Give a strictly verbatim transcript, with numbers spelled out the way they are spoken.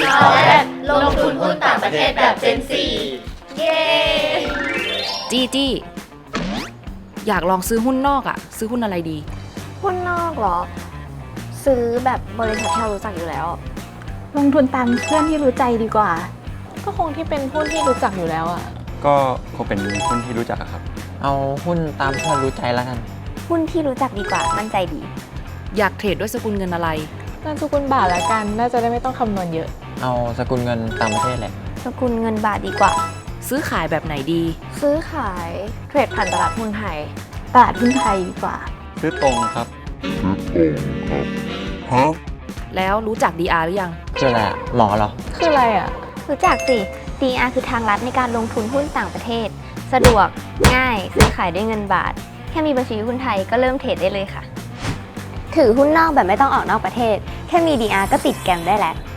เอาแบบลงทุนหุ้นต่างประเทศแบบเจนซีเย้จี้จี้อยากลองซื้อหุ้นนอกอะซื้อหุ้นอะไรดีหุ้นนอกเหรอ ซื้อแบบบริษัทที่เรารู้จักอยู่แล้วลงทุนตามเพื่อนที่รู้ใจดีกว่าก็คงที่เป็นหุ้นที่รู้จักอยู่แล้วอะก็คงเป็นหุ้นที่รู้จักอะครับเอาหุ้นตามเพื่อนรู้ใจแล้วกันหุ้นที่รู้จักดีกว่ามั่นใจดีอยากเทรดด้วยสกุลเงินอะไรน่าสกุลบาทละกันน่าจะได้ไม่ต้องคำนวณเยอะเอาสกุลเงินต่างประเทศแหละสกุลเงินบาทดีกว่าซื้อขายแบบไหนดีซื้อขายเทรดผ่านตลาดหุ้นไทยตลาดหุ้นไทยดีกว่าซื้อตรงครับแล้วรู้จัก ดี อาร์ หรือยังคืออะไรอะหมอเหรอคืออะไรอะรู้จักสิ ดี อาร์ คือทางลัดในการลงทุนหุ้นต่างประเทศ สะดวก ง่าย ซื้อขายด้วยเงินบาท แค่มีบัญชีหุ้นไทยก็เริ่มเทรดได้เลยค่ะ ถือหุ้นนอกแบบไม่ต้องออกนอกประเทศ แค่มี ดี อาร์ ก็ติดแกรมได้แล้ว